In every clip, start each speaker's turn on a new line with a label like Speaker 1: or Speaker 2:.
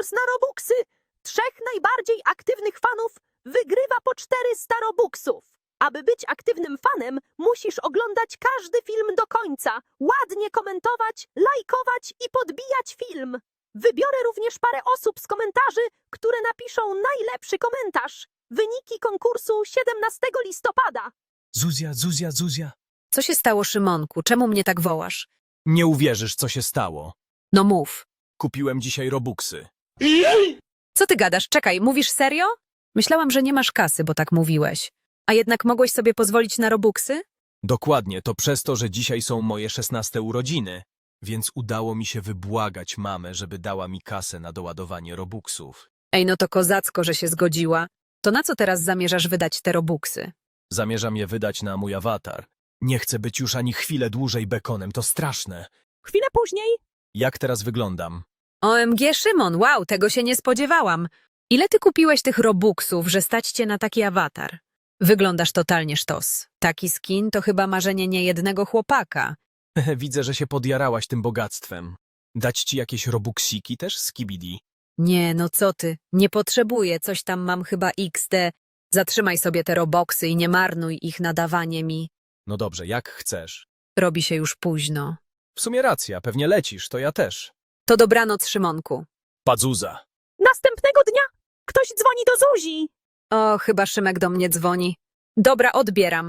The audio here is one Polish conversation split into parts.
Speaker 1: konkurs na Robuxy. 3 najbardziej aktywnych fanów wygrywa po 400 Robuxów. Aby być aktywnym fanem, musisz oglądać każdy film do końca, ładnie komentować, lajkować i podbijać film. Wybiorę również parę osób z komentarzy, które napiszą najlepszy komentarz. Wyniki konkursu 17 listopada.
Speaker 2: Zuzia.
Speaker 3: Co się stało, Szymonku? Czemu mnie tak wołasz?
Speaker 2: Nie uwierzysz, co się stało.
Speaker 3: No mów.
Speaker 2: Kupiłem dzisiaj Robuxy.
Speaker 3: Co ty gadasz? Czekaj, mówisz serio? Myślałam, że nie masz kasy, bo tak mówiłeś. A jednak mogłeś sobie pozwolić na Robuxy?
Speaker 2: Dokładnie, to przez to, że dzisiaj są moje 16 urodziny. Więc udało mi się wybłagać mamę, żeby dała mi kasę na doładowanie Robuxów.
Speaker 3: Ej, no to kozacko, że się zgodziła. To na co teraz zamierzasz wydać te Robuxy?
Speaker 2: Zamierzam je wydać na mój awatar. Nie chcę być już ani chwilę dłużej bekonem, to straszne.
Speaker 1: Chwilę później
Speaker 2: Jak teraz wyglądam?
Speaker 3: OMG, Szymon, wow, tego się nie spodziewałam. Ile ty kupiłeś tych Robuxów, że stać cię na taki awatar? Wyglądasz totalnie sztos. Taki skin to chyba marzenie niejednego chłopaka.
Speaker 2: Widzę, że się podjarałaś tym bogactwem. Dać ci jakieś Robuxiki też, Skibidi?
Speaker 3: Nie, no co ty, nie potrzebuję, coś tam mam chyba XD. Zatrzymaj sobie te Robuxy i nie marnuj ich na dawanie mi.
Speaker 2: No dobrze, jak chcesz.
Speaker 3: Robi się już późno.
Speaker 2: W sumie racja, pewnie lecisz, to ja też.
Speaker 3: To dobranoc, Szymonku.
Speaker 2: Padzuza.
Speaker 1: następnego dnia ktoś dzwoni do Zuzi.
Speaker 3: O, chyba Szymek do mnie dzwoni. Dobra, odbieram.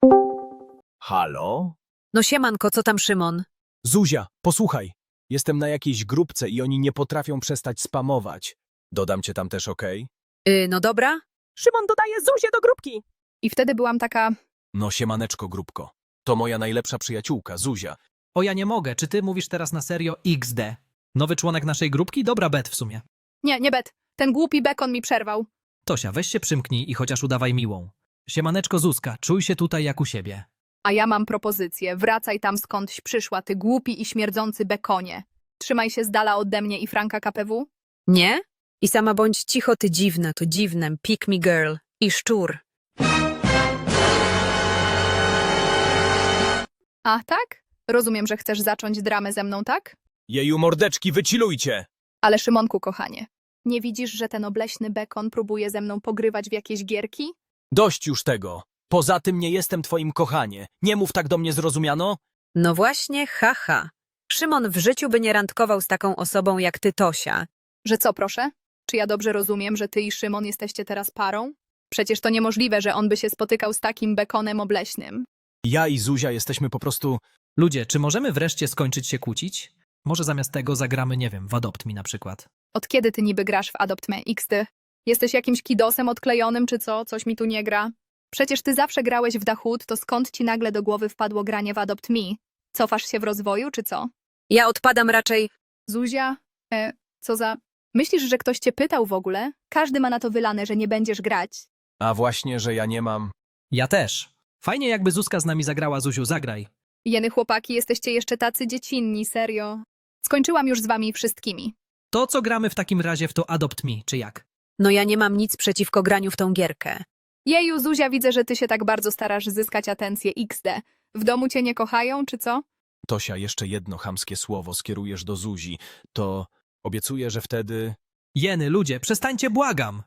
Speaker 2: Halo?
Speaker 3: No siemanko, co tam, Szymon?
Speaker 2: Zuzia, posłuchaj. Jestem na jakiejś grupce i oni nie potrafią przestać spamować. Dodam cię tam też, okej?
Speaker 3: No dobra.
Speaker 1: Szymon dodaje Zuzię do grupki.
Speaker 4: I wtedy byłam taka,
Speaker 2: No siemaneczko, grupko. To moja najlepsza przyjaciółka, Zuzia.
Speaker 5: O, ja nie mogę. Czy ty mówisz teraz na serio XD? Nowy członek naszej grupki? Dobra bet w sumie.
Speaker 4: nie bet, ten głupi bekon mi przerwał.
Speaker 5: Tosia, weź się przymknij i chociaż udawaj miłą. Siemaneczko Zuzka, czuj się tutaj jak u siebie.
Speaker 4: A ja mam propozycję, wracaj tam skądś przyszła, ty głupi i śmierdzący bekonie. Trzymaj się z dala ode mnie i Franka KPW.
Speaker 3: Nie? I sama bądź cicho, ty dziwna, to dziwnem, pick me girl i szczur.
Speaker 4: A tak? Rozumiem, że chcesz zacząć dramę ze mną, tak?
Speaker 2: Jeju mordeczki, wychillujcie!
Speaker 4: Ale Szymonku, kochanie, nie widzisz, że ten obleśny bekon próbuje ze mną pogrywać w jakieś gierki?
Speaker 2: Dość już tego. Poza tym nie jestem twoim kochanie. Nie mów tak do mnie, zrozumiano?
Speaker 3: No właśnie, haha. Szymon w życiu by nie randkował z taką osobą jak ty, Tosia.
Speaker 4: Że co, proszę? Czy ja dobrze rozumiem, że ty i Szymon jesteście teraz parą? Przecież to niemożliwe, że on by się spotykał z takim bekonem obleśnym.
Speaker 2: Ja i Zuzia jesteśmy po prostu...
Speaker 5: Ludzie, czy możemy wreszcie skończyć się kłócić? Może zamiast tego zagramy, nie wiem, w Adopt Me na przykład.
Speaker 4: Od kiedy ty niby grasz w Adopt Me XD? Jesteś jakimś kidosem odklejonym czy co? Coś mi tu nie gra? Przecież ty zawsze grałeś w Dachut, to skąd ci nagle do głowy wpadło granie w Adopt Me? Cofasz się w rozwoju czy co?
Speaker 3: Ja odpadam raczej...
Speaker 4: Zuzia? Co za... Myślisz, że ktoś cię pytał w ogóle? Każdy ma na to wylane, że nie będziesz grać.
Speaker 2: A właśnie, że ja nie mam...
Speaker 5: Ja też. Fajnie jakby Zuzka z nami zagrała, Zuziu, zagraj.
Speaker 4: Jeny chłopaki, jesteście jeszcze tacy dziecinni, serio. Skończyłam już z wami wszystkimi.
Speaker 5: To, co gramy w takim razie w to Adopt Me, czy jak?
Speaker 3: No ja nie mam nic przeciwko graniu w tą gierkę.
Speaker 4: Jeju, Zuzia, widzę, że ty się tak bardzo starasz zyskać atencję XD. W domu cię nie kochają, czy co?
Speaker 2: Tosia, jeszcze jedno chamskie słowo skierujesz do Zuzi, to obiecuję, że wtedy...
Speaker 5: Jeny, ludzie, przestańcie, błagam!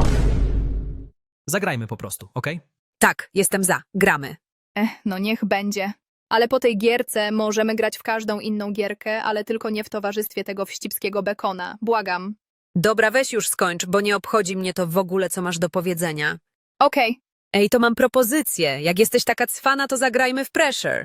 Speaker 5: Zagrajmy po prostu, okej?
Speaker 3: Tak, jestem za, gramy.
Speaker 4: No niech będzie. Ale po tej gierce możemy grać w każdą inną gierkę, ale tylko nie w towarzystwie tego wścibskiego bekona. Błagam.
Speaker 3: Dobra, weź już skończ, bo nie obchodzi mnie to w ogóle, co masz do powiedzenia.
Speaker 4: Okej.
Speaker 3: Ej, to mam propozycję. Jak jesteś taka cwana, to zagrajmy w Pressure.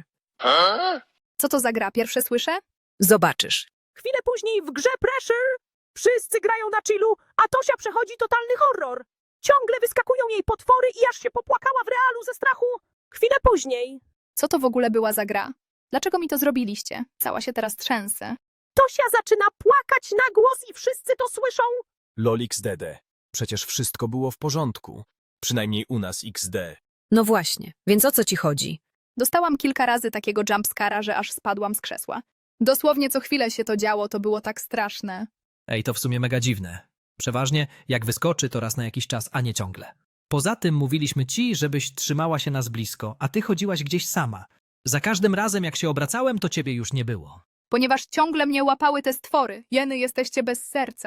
Speaker 4: Co to za gra? Pierwsze słyszę?
Speaker 3: Zobaczysz.
Speaker 1: Chwilę później w grze Pressure wszyscy grają na chillu, a Tosia przechodzi totalny horror. Ciągle wyskakują jej potwory i aż się popłakała w realu ze strachu. Chwilę później
Speaker 4: Co to w ogóle była za gra? Dlaczego mi to zrobiliście? Cała się teraz trzęsę.
Speaker 1: Tosia zaczyna płakać na głos i wszyscy to słyszą.
Speaker 2: LOL XDD. Przecież wszystko było w porządku. Przynajmniej u nas XD.
Speaker 3: No właśnie, więc o co ci chodzi?
Speaker 4: Dostałam kilka razy takiego jumpscara, że aż spadłam z krzesła. Dosłownie co chwilę się to działo, to było tak straszne.
Speaker 5: Ej, to w sumie mega dziwne. Przeważnie, jak wyskoczy, to raz na jakiś czas, a nie ciągle. Poza tym mówiliśmy ci, żebyś trzymała się nas blisko, a ty chodziłaś gdzieś sama. Za każdym razem, jak się obracałem, to ciebie już nie było.
Speaker 4: Ponieważ ciągle mnie łapały te stwory. Jeny, jesteście bez serca.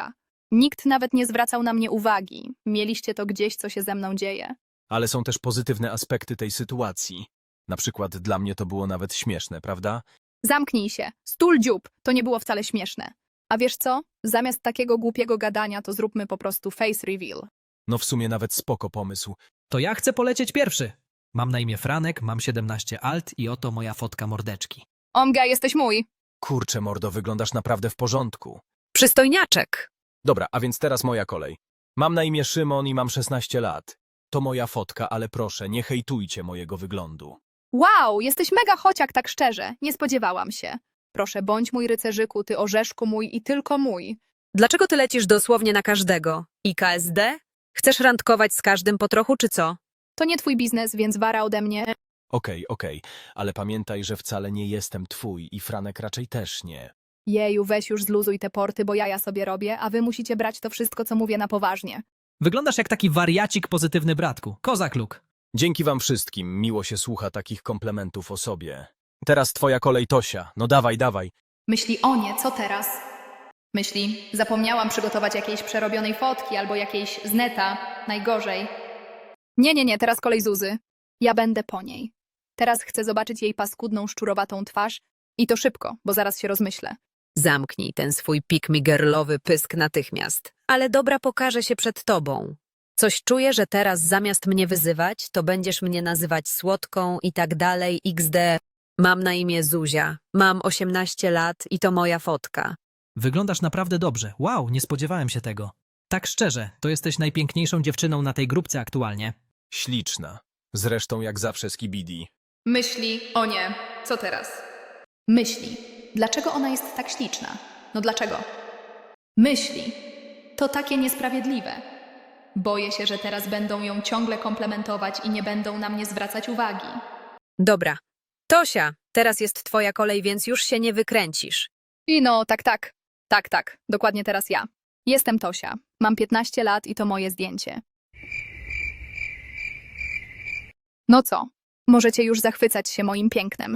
Speaker 4: Nikt nawet nie zwracał na mnie uwagi. Mieliście to gdzieś, co się ze mną dzieje.
Speaker 2: Ale są też pozytywne aspekty tej sytuacji. Na przykład dla mnie to było nawet śmieszne, prawda?
Speaker 4: Zamknij się. Stul dziób. To nie było wcale śmieszne. A wiesz co? Zamiast takiego głupiego gadania, to zróbmy po prostu face reveal.
Speaker 2: No w sumie nawet spoko pomysł.
Speaker 5: To ja chcę polecieć pierwszy. Mam na imię Franek, mam 17 alt i oto moja fotka mordeczki.
Speaker 4: Omga, jesteś mój.
Speaker 2: Kurczę, mordo, wyglądasz naprawdę w porządku.
Speaker 3: Przystojniaczek.
Speaker 2: Dobra, a więc teraz moja kolej. Mam na imię Szymon i mam 16 lat. To moja fotka, ale proszę, nie hejtujcie mojego wyglądu.
Speaker 4: Wow, jesteś mega chociak, tak szczerze. Nie spodziewałam się. Proszę, bądź mój rycerzyku, ty orzeszku mój i tylko mój.
Speaker 3: Dlaczego ty lecisz dosłownie na każdego? I KSD? Chcesz randkować z każdym po trochu, czy co?
Speaker 4: To nie twój biznes, więc wara ode mnie.
Speaker 2: Okej, ale pamiętaj, że wcale nie jestem twój i Franek raczej też nie.
Speaker 4: Jeju, weź już zluzuj te porty, bo ja sobie robię, a wy musicie brać to wszystko, co mówię, na poważnie.
Speaker 5: Wyglądasz jak taki wariacik pozytywny bratku. Kozak luk.
Speaker 2: Dzięki wam wszystkim, miło się słucha takich komplementów o sobie. Teraz twoja kolej, Tosia. No dawaj.
Speaker 4: Myśli, o nie, co teraz? Myśli, zapomniałam przygotować jakiejś przerobionej fotki albo jakiejś z neta, najgorzej. Nie, teraz kolej Zuzy. Ja będę po niej. Teraz chcę zobaczyć jej paskudną, szczurowatą twarz i to szybko, bo zaraz się rozmyślę.
Speaker 3: Zamknij ten swój pick-me-girlowy pysk natychmiast. Ale dobra pokaże się przed tobą. Coś czuję, że teraz zamiast mnie wyzywać, to będziesz mnie nazywać słodką i tak dalej XD. Mam na imię Zuzia, mam 18 lat i to moja fotka.
Speaker 5: Wyglądasz naprawdę dobrze. Wow, nie spodziewałem się tego. Tak szczerze, to jesteś najpiękniejszą dziewczyną na tej grupce aktualnie.
Speaker 2: Śliczna. Zresztą jak zawsze z Kibidi.
Speaker 4: Myśli, o nie, co teraz? Myśli, dlaczego ona jest tak śliczna? No dlaczego? Myśli, to takie niesprawiedliwe. Boję się, że teraz będą ją ciągle komplementować i nie będą na mnie zwracać uwagi.
Speaker 3: Dobra. Tosia, teraz jest twoja kolej, więc już się nie wykręcisz.
Speaker 4: I no, tak, dokładnie teraz ja. Jestem Tosia, mam 15 lat i to moje zdjęcie. No co? Możecie już zachwycać się moim pięknem.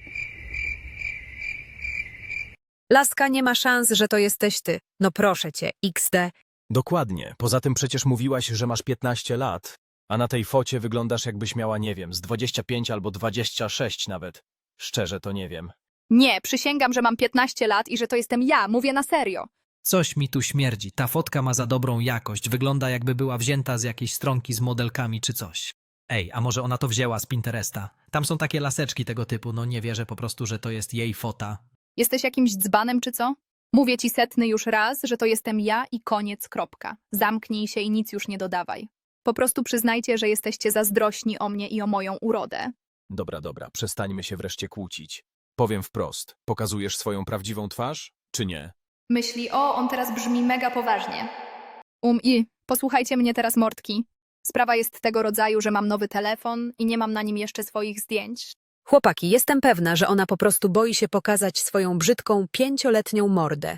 Speaker 3: Laska, nie ma szans, że to jesteś ty. No proszę cię, XD.
Speaker 2: Dokładnie. Poza tym przecież mówiłaś, że masz 15 lat, a na tej focie wyglądasz jakbyś miała, nie wiem, z 25 albo 26 nawet. Szczerze to nie wiem.
Speaker 4: Nie, przysięgam, że mam 15 lat i że to jestem ja, mówię na serio.
Speaker 5: Coś mi tu śmierdzi. Ta fotka ma za dobrą jakość. Wygląda jakby była wzięta z jakiejś stronki z modelkami czy coś. Ej, a może ona to wzięła z Pinteresta? Tam są takie laseczki tego typu, no nie wierzę po prostu, że to jest jej fota.
Speaker 4: Jesteś jakimś dzbanem czy co? Mówię ci setny już raz, że to jestem ja i koniec, kropka. Zamknij się i nic już nie dodawaj. Po prostu przyznajcie, że jesteście zazdrośni o mnie i o moją urodę.
Speaker 2: Dobra, przestańmy się wreszcie kłócić. Powiem wprost, pokazujesz swoją prawdziwą twarz, czy nie?
Speaker 4: Myśli, o, on teraz brzmi mega poważnie. Posłuchajcie mnie teraz, mordki. Sprawa jest tego rodzaju, że mam nowy telefon i nie mam na nim jeszcze swoich zdjęć.
Speaker 3: Chłopaki, jestem pewna, że ona po prostu boi się pokazać swoją brzydką 5-letnią mordę.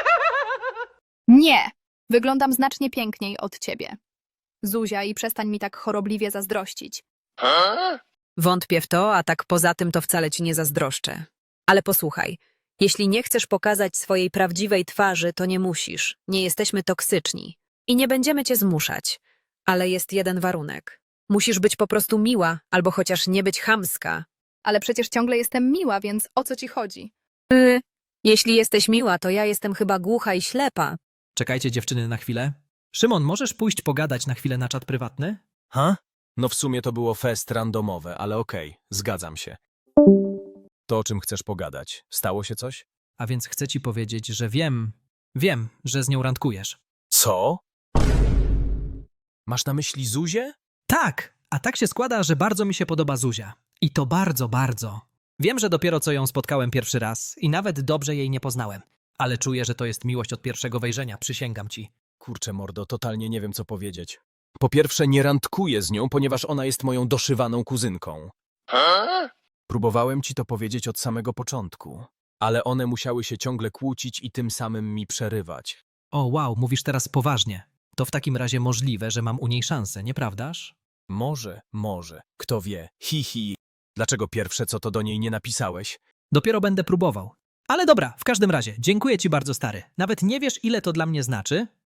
Speaker 4: Nie! Wyglądam znacznie piękniej od ciebie. Zuzia, i przestań mi tak chorobliwie zazdrościć.
Speaker 3: Wątpię w to, a tak poza tym to wcale ci nie zazdroszczę. Ale posłuchaj, jeśli nie chcesz pokazać swojej prawdziwej twarzy, to nie musisz. Nie jesteśmy toksyczni. I nie będziemy cię zmuszać. Ale jest jeden warunek. Musisz być po prostu miła, albo chociaż nie być chamska.
Speaker 4: Ale przecież ciągle jestem miła, więc o co ci chodzi?
Speaker 3: Jeśli jesteś miła, to ja jestem chyba głucha i ślepa.
Speaker 5: Czekajcie dziewczyny na chwilę. Szymon, możesz pójść pogadać na chwilę na czat prywatny?
Speaker 2: Ha? No w sumie to było fest randomowe, ale okej, zgadzam się. To o czym chcesz pogadać? Stało się coś?
Speaker 5: A więc chcę ci powiedzieć, że wiem, że z nią randkujesz.
Speaker 2: Co? Masz na myśli Zuzię?
Speaker 5: Tak, a tak się składa, że bardzo mi się podoba Zuzia. I to bardzo, bardzo. Wiem, że dopiero co ją spotkałem pierwszy raz i nawet dobrze jej nie poznałem. Ale czuję, że to jest miłość od pierwszego wejrzenia, przysięgam ci.
Speaker 2: Kurczę mordo, totalnie nie wiem co powiedzieć. Po pierwsze nie randkuję z nią, ponieważ ona jest moją doszywaną kuzynką. Próbowałem ci to powiedzieć od samego początku, ale one musiały się ciągle kłócić i tym samym mi przerywać.
Speaker 5: O wow, mówisz teraz poważnie. To w takim razie możliwe, że mam u niej szansę, nieprawdaż?
Speaker 2: Może, kto wie, hi. Dlaczego pierwsze co to do niej nie napisałeś?
Speaker 5: Dopiero będę próbował. Ale dobra, w każdym razie, dziękuję ci bardzo stary. Nawet nie wiesz, ile to dla mnie znaczy.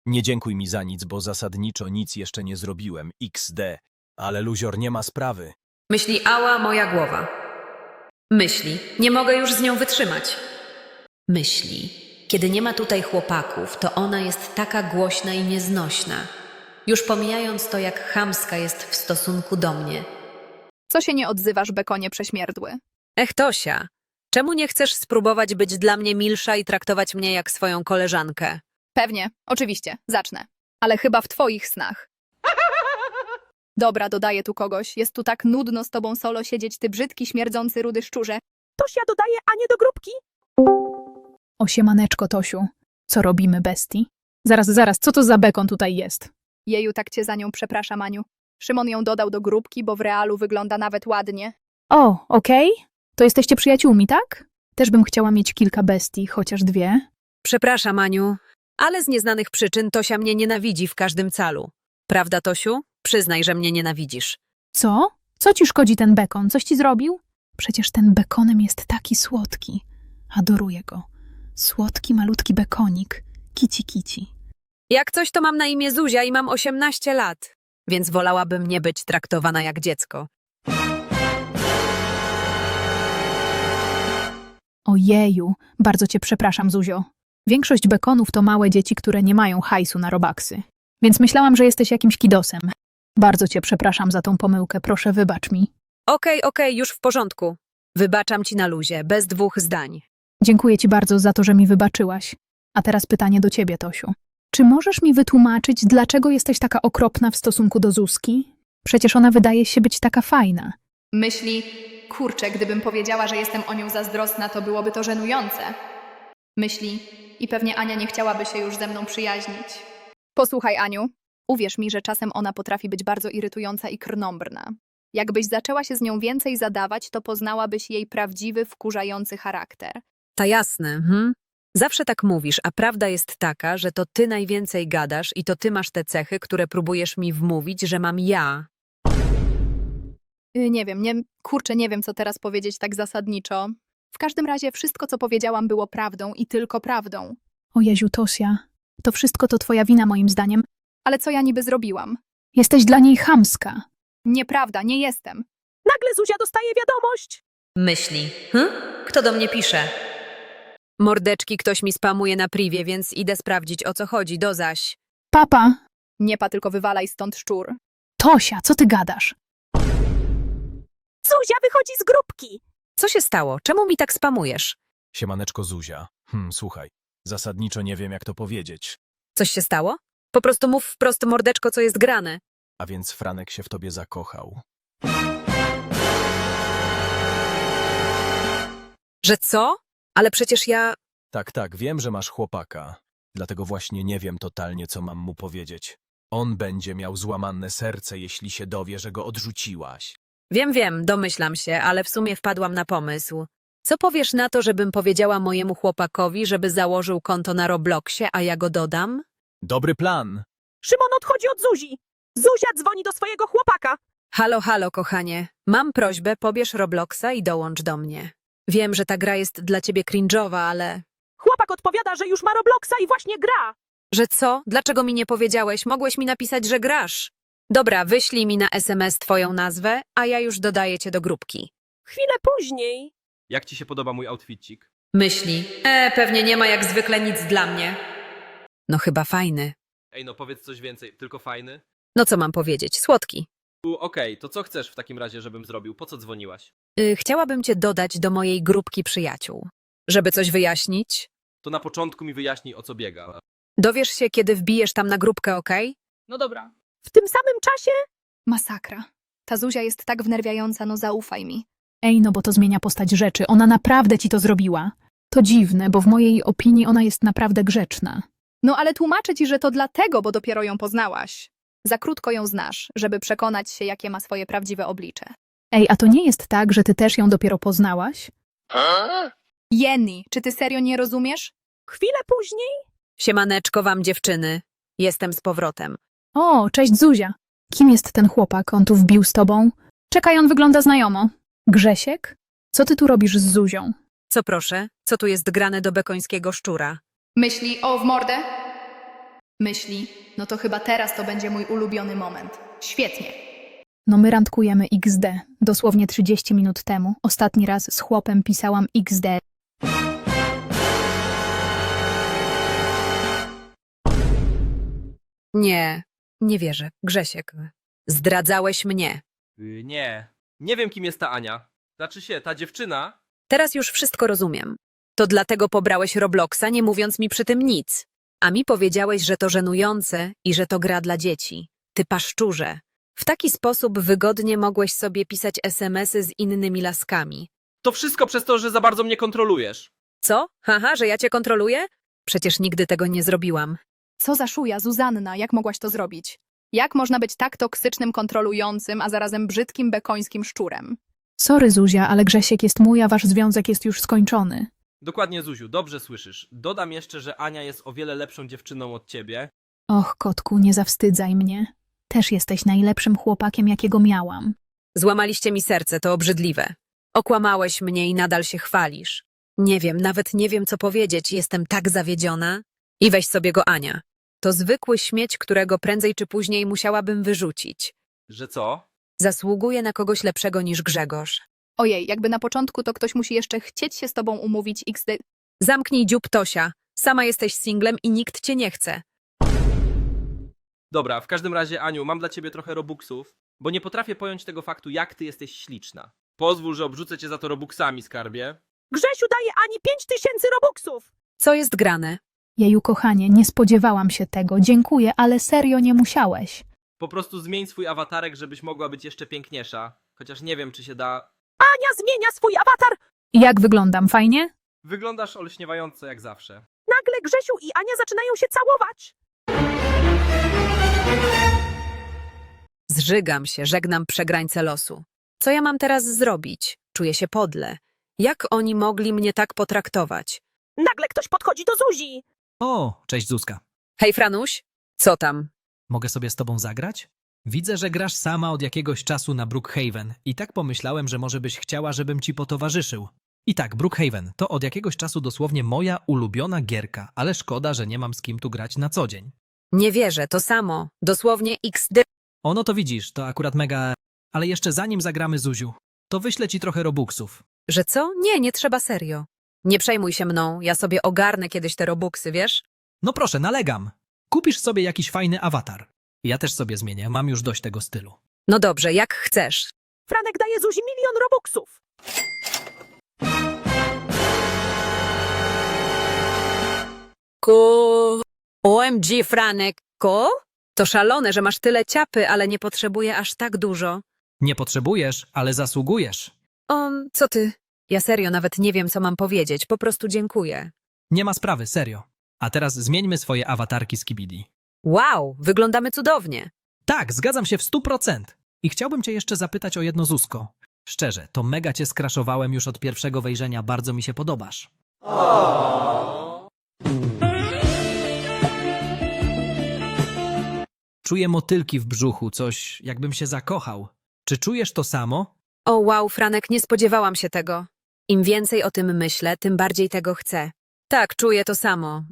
Speaker 2: Nie dziękuj mi za nic, bo zasadniczo nic jeszcze nie zrobiłem. XD. Ale luzior, nie ma sprawy.
Speaker 3: Myśli, ała, moja głowa. Myśli, nie mogę już z nią wytrzymać. Myśli, kiedy nie ma tutaj chłopaków, to ona jest taka głośna i nieznośna. Już pomijając to, jak chamska jest w stosunku do mnie.
Speaker 4: Co się nie odzywasz, bekonie prześmierdły?
Speaker 3: Ech, Tosia, czemu nie chcesz spróbować być dla mnie milsza i traktować mnie jak swoją koleżankę?
Speaker 4: Pewnie, oczywiście, zacznę. Ale chyba w twoich snach. Dobra, dodaję tu kogoś. Jest tu tak nudno z tobą solo siedzieć, ty brzydki, śmierdzący, rudy szczurze.
Speaker 1: Tosia dodaje Anię do grupki.
Speaker 6: Osiemaneczko, Tosiu. Co robimy, bestii? Zaraz, co to za bekon tutaj jest?
Speaker 4: Jeju, tak cię za nią przepraszam, Aniu. Szymon ją dodał do grupki, bo w realu wygląda nawet ładnie.
Speaker 6: O, okej. To jesteście przyjaciółmi, tak? Też bym chciała mieć kilka bestii, chociaż 2.
Speaker 3: Przepraszam, Aniu, ale z nieznanych przyczyn Tosia mnie nienawidzi w każdym calu. Prawda, Tosiu? Przyznaj, że mnie nienawidzisz.
Speaker 6: Co? Co ci szkodzi ten bekon? Coś ci zrobił? Przecież ten bekonem jest taki słodki. Adoruję go. Słodki, malutki bekonik. Kici.
Speaker 3: Jak coś, to mam na imię Zuzia i mam 18 lat, więc wolałabym nie być traktowana jak dziecko.
Speaker 6: Ojeju, bardzo cię przepraszam, Zuzio. Większość bekonów to małe dzieci, które nie mają hajsu na robaksy. Więc myślałam, że jesteś jakimś kidosem. Bardzo cię przepraszam za tą pomyłkę, proszę wybacz mi.
Speaker 3: Okej, już w porządku. Wybaczam ci na luzie, bez 2 zdań.
Speaker 6: Dziękuję ci bardzo za to, że mi wybaczyłaś. A teraz pytanie do ciebie, Tosiu. Czy możesz mi wytłumaczyć, dlaczego jesteś taka okropna w stosunku do Zuzki? Przecież ona wydaje się być taka fajna.
Speaker 4: Myśli, kurczę, gdybym powiedziała, że jestem o nią zazdrosna, to byłoby to żenujące. Myśli, i pewnie Ania nie chciałaby się już ze mną przyjaźnić. Posłuchaj, Aniu, uwierz mi, że czasem ona potrafi być bardzo irytująca i krnąbrna. Jakbyś zaczęła się z nią więcej zadawać, to poznałabyś jej prawdziwy, wkurzający charakter.
Speaker 3: Ta jasne, Zawsze tak mówisz, a prawda jest taka, że to ty najwięcej gadasz i to ty masz te cechy, które próbujesz mi wmówić, że mam ja.
Speaker 4: Nie wiem, nie wiem, co teraz powiedzieć tak zasadniczo. W każdym razie wszystko, co powiedziałam, było prawdą i tylko prawdą.
Speaker 6: O Jeziu, Tosia, to wszystko to twoja wina moim zdaniem.
Speaker 4: Ale co ja niby zrobiłam?
Speaker 6: Jesteś dla niej chamska.
Speaker 4: Nieprawda, nie jestem.
Speaker 1: Nagle Zuzia dostaje wiadomość.
Speaker 3: Myśli. Kto do mnie pisze? Mordeczki, ktoś mi spamuje na privie, więc idę sprawdzić, o co chodzi, do zaś.
Speaker 6: Papa,
Speaker 4: Nie pa, tylko wywalaj stąd szczur.
Speaker 6: Tosia, co ty gadasz?
Speaker 1: Zuzia wychodzi z grupki.
Speaker 3: Co się stało? Czemu mi tak spamujesz?
Speaker 2: Siemaneczko, Zuzia. Słuchaj, zasadniczo nie wiem, jak to powiedzieć.
Speaker 3: Coś się stało? Po prostu mów wprost, mordeczko, co jest grane.
Speaker 2: A więc Franek się w tobie zakochał.
Speaker 3: Że co? Ale przecież ja...
Speaker 2: Tak, wiem, że masz chłopaka. Dlatego właśnie nie wiem totalnie, co mam mu powiedzieć. On będzie miał złamane serce, jeśli się dowie, że go odrzuciłaś.
Speaker 3: Wiem, domyślam się, ale w sumie wpadłam na pomysł. Co powiesz na to, żebym powiedziała mojemu chłopakowi, żeby założył konto na Robloxie, a ja go dodam?
Speaker 2: Dobry plan!
Speaker 1: Szymon odchodzi od Zuzi. Zuzia dzwoni do swojego chłopaka.
Speaker 3: Halo, kochanie. Mam prośbę, pobierz Robloxa i dołącz do mnie. Wiem, że ta gra jest dla ciebie cringe'owa, ale...
Speaker 1: Chłopak odpowiada, że już ma Robloxa i właśnie gra.
Speaker 3: Że co? Dlaczego mi nie powiedziałeś? Mogłeś mi napisać, że grasz. Dobra, wyślij mi na SMS twoją nazwę, a ja już dodaję cię do grupki.
Speaker 1: Chwilę później.
Speaker 7: Jak ci się podoba mój outfitcik?
Speaker 3: Myśli. Pewnie nie ma jak zwykle nic dla mnie. No chyba fajny.
Speaker 7: Ej, no powiedz coś więcej, tylko fajny.
Speaker 3: No co mam powiedzieć? Słodki.
Speaker 7: Okej, to co chcesz w takim razie, żebym zrobił? Po co dzwoniłaś?
Speaker 3: Chciałabym cię dodać do mojej grupki przyjaciół. Żeby coś wyjaśnić?
Speaker 7: To na początku mi wyjaśnij, o co biega.
Speaker 3: Dowiesz się, kiedy wbijesz tam na grupkę, okej?
Speaker 7: No dobra.
Speaker 1: W tym samym czasie
Speaker 4: Masakra. Ta Zuzia jest tak wnerwiająca, no zaufaj mi.
Speaker 6: Ej, no bo to zmienia postać rzeczy. Ona naprawdę ci to zrobiła. To dziwne, bo w mojej opinii ona jest naprawdę grzeczna.
Speaker 4: No ale tłumaczę ci, że to dlatego, bo dopiero ją poznałaś. Za krótko ją znasz, żeby przekonać się, jakie ma swoje prawdziwe oblicze.
Speaker 6: Ej, a to nie jest tak, że ty też ją dopiero poznałaś?
Speaker 4: Jenny, czy ty serio nie rozumiesz?
Speaker 1: chwilę później.
Speaker 3: Siemaneczko wam, dziewczyny. Jestem z powrotem.
Speaker 6: O, cześć Zuzia. Kim jest ten chłopak? On tu wbił z tobą? Czekaj, on wygląda znajomo. Grzesiek? Co ty tu robisz z Zuzią?
Speaker 3: Co proszę? Co tu jest grane do bekońskiego szczura?
Speaker 4: Myśli, o w mordę? Myśli, no to chyba teraz to będzie mój ulubiony moment. Świetnie.
Speaker 6: No my randkujemy XD. Dosłownie 30 minut temu. Ostatni raz z chłopem pisałam XD.
Speaker 3: Nie, nie wierzę. Grzesiek, zdradzałeś mnie.
Speaker 7: Nie. Nie wiem, kim jest ta Ania. Znaczy się, ta dziewczyna.
Speaker 3: Teraz już wszystko rozumiem. To dlatego pobrałeś Robloxa, nie mówiąc mi przy tym nic. A mi powiedziałeś, że to żenujące i że to gra dla dzieci. Ty paszczurze. W taki sposób wygodnie mogłeś sobie pisać SMS-y z innymi laskami.
Speaker 7: To wszystko przez to, że za bardzo mnie kontrolujesz.
Speaker 3: Co? Haha, że ja cię kontroluję? Przecież nigdy tego nie zrobiłam.
Speaker 4: Co za szuja, Zuzanna, jak mogłaś to zrobić? Jak można być tak toksycznym, kontrolującym, a zarazem brzydkim, bekońskim szczurem?
Speaker 6: Sorry Zuzia, ale Grzesiek jest mój, a wasz związek jest już skończony.
Speaker 7: Dokładnie, Zuziu, dobrze słyszysz. Dodam jeszcze, że Ania jest o wiele lepszą dziewczyną od ciebie.
Speaker 6: Och, kotku, nie zawstydzaj mnie. Też jesteś najlepszym chłopakiem, jakiego miałam.
Speaker 3: Złamaliście mi serce, to obrzydliwe. Okłamałeś mnie i nadal się chwalisz. Nie wiem, nawet nie wiem, co powiedzieć. Jestem tak zawiedziona. I weź sobie go, Ania. To zwykły śmieć, którego prędzej czy później musiałabym wyrzucić.
Speaker 7: Że co?
Speaker 3: Zasługuje na kogoś lepszego niż Grzegorz.
Speaker 4: Ojej, jakby na początku to ktoś musi jeszcze chcieć się z tobą umówić XD.
Speaker 3: Zamknij dziób, Tosia. Sama jesteś singlem i nikt cię nie chce.
Speaker 7: Dobra, w każdym razie, Aniu, mam dla ciebie trochę robuxów, bo nie potrafię pojąć tego faktu, jak ty jesteś śliczna. Pozwól, że obrzucę cię za to robuxami, skarbie.
Speaker 1: Grzesiu daje Ani 5000 robuxów.
Speaker 3: Co jest grane?
Speaker 6: Jeju, kochanie, nie spodziewałam się tego. Dziękuję, ale serio nie musiałeś.
Speaker 7: Po prostu zmień swój awatarek, żebyś mogła być jeszcze piękniejsza. Chociaż nie wiem, czy się da.
Speaker 1: Ania zmienia swój awatar.
Speaker 6: Jak wyglądam, fajnie?
Speaker 7: Wyglądasz olśniewająco jak zawsze.
Speaker 1: Nagle Grzesiu i Ania zaczynają się całować.
Speaker 3: Zżygam się, żegnam przegrańcę losu. Co ja mam teraz zrobić? Czuję się podle. Jak oni mogli mnie tak potraktować?
Speaker 1: Nagle ktoś podchodzi do Zuzi.
Speaker 5: O, cześć Zuzka.
Speaker 3: Hej, Franuś? Co tam?
Speaker 5: Mogę sobie z tobą zagrać? Widzę, że grasz sama od jakiegoś czasu na Brookhaven i tak pomyślałem, że może byś chciała, żebym ci potowarzyszył. I tak, Brookhaven to od jakiegoś czasu dosłownie moja ulubiona gierka, ale szkoda, że nie mam z kim tu grać na co dzień.
Speaker 3: Nie wierzę, to samo. Dosłownie XD.
Speaker 5: O, no to widzisz, to akurat mega... Ale jeszcze zanim zagramy Zuziu, to wyślę ci trochę robuxów.
Speaker 3: Że co? Nie, nie trzeba serio. Nie przejmuj się mną, ja sobie ogarnę kiedyś te robuxy, wiesz?
Speaker 5: No proszę, nalegam. Kupisz sobie jakiś fajny awatar. Ja też sobie zmienię, mam już dość tego stylu.
Speaker 3: No dobrze, jak chcesz.
Speaker 1: Franek daje Zuzi 1 000 000 robuxów.
Speaker 3: OMG, Franek, To szalone, że masz tyle ciapy, ale nie potrzebuję aż tak dużo.
Speaker 5: Nie potrzebujesz, ale zasługujesz.
Speaker 3: Co ty? Ja serio nawet nie wiem, co mam powiedzieć, po prostu dziękuję.
Speaker 5: Nie ma sprawy, serio. A teraz zmieńmy swoje awatarki z Kibidi.
Speaker 3: Wow, wyglądamy cudownie.
Speaker 5: Tak, zgadzam się w 100%. I chciałbym cię jeszcze zapytać o jedno, Zuzko. Szczerze, to mega cię skraszowałem już od pierwszego wejrzenia, bardzo mi się podobasz. Czuję motylki w brzuchu, coś jakbym się zakochał. Czy czujesz to samo?
Speaker 3: O wow, Franek, nie spodziewałam się tego. Im więcej o tym myślę, tym bardziej tego chcę. Tak, czuję to samo.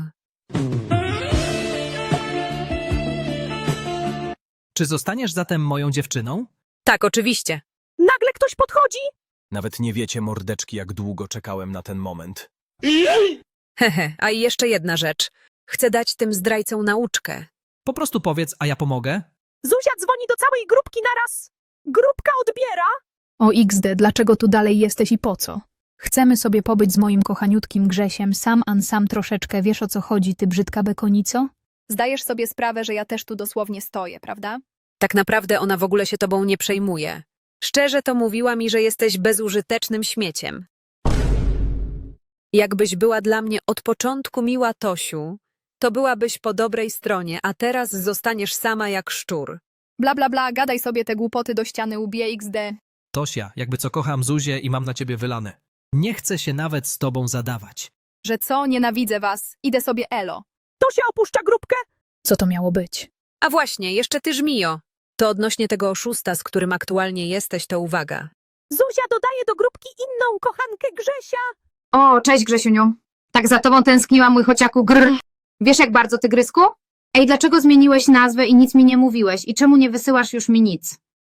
Speaker 5: Czy zostaniesz zatem moją dziewczyną?
Speaker 3: Tak, oczywiście.
Speaker 1: Nagle ktoś podchodzi.
Speaker 2: Nawet nie wiecie, mordeczki, jak długo czekałem na ten moment.
Speaker 3: Hehe, a i jeszcze jedna rzecz. Chcę dać tym zdrajcom nauczkę.
Speaker 5: Po prostu powiedz, a ja pomogę?
Speaker 1: Zuzia dzwoni do całej grupki naraz. Grupka odbiera.
Speaker 6: O XD, dlaczego tu dalej jesteś i po co? Chcemy sobie pobyć z moim kochaniutkim Grzesiem, sam troszeczkę, wiesz o co chodzi, ty brzydka bekonico?
Speaker 4: Zdajesz sobie sprawę, że ja też tu dosłownie stoję, prawda?
Speaker 3: Tak naprawdę ona w ogóle się tobą nie przejmuje. Szczerze to mówiła mi, że jesteś bezużytecznym śmieciem. Jakbyś była dla mnie od początku miła, Tosiu, to byłabyś po dobrej stronie, a teraz zostaniesz sama jak szczur.
Speaker 4: Bla bla bla, gadaj sobie te głupoty do ściany ubije XD.
Speaker 5: Tosia, jakby co kocham Zuzię i mam na ciebie wylane. Nie chcę się nawet z tobą zadawać.
Speaker 4: Że co? Nienawidzę was. Idę sobie elo.
Speaker 1: Tosia opuszcza grupkę.
Speaker 6: Co to miało być?
Speaker 3: A właśnie, jeszcze ty, Żmijo. To odnośnie tego oszusta, z którym aktualnie jesteś, to uwaga.
Speaker 1: Zuzia dodaje do grupki inną kochankę Grzesia.
Speaker 8: O, cześć Grzesiuniu. Tak za tobą tęskniłam, mój chociaku grr. Wiesz jak bardzo, tygrysku? Ej, dlaczego zmieniłeś nazwę i nic mi nie mówiłeś? I czemu nie wysyłasz już mi nic?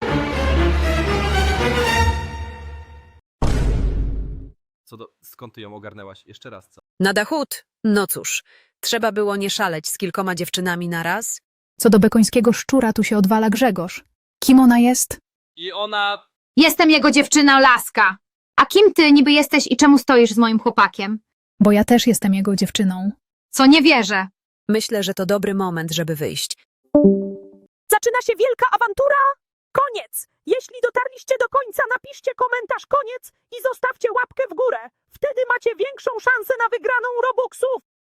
Speaker 7: Skąd ty ją ogarnęłaś? Jeszcze raz, co?
Speaker 3: Na Dachut? No cóż, trzeba było nie szaleć z kilkoma dziewczynami naraz.
Speaker 6: Co do bekońskiego szczura, tu się odwala Grzegorz. Kim ona jest?
Speaker 7: I ona...
Speaker 8: Jestem jego dziewczyna Laska. A kim ty niby jesteś i czemu stoisz z moim chłopakiem?
Speaker 6: Bo ja też jestem jego dziewczyną.
Speaker 8: Co nie wierzę.
Speaker 3: Myślę, że to dobry moment, żeby wyjść.
Speaker 1: Zaczyna się wielka awantura. Koniec! Jeśli dotarliście do końca, napiszcie komentarz koniec i zostawcie łapkę w górę. Wtedy macie większą szansę na wygraną Robuxów.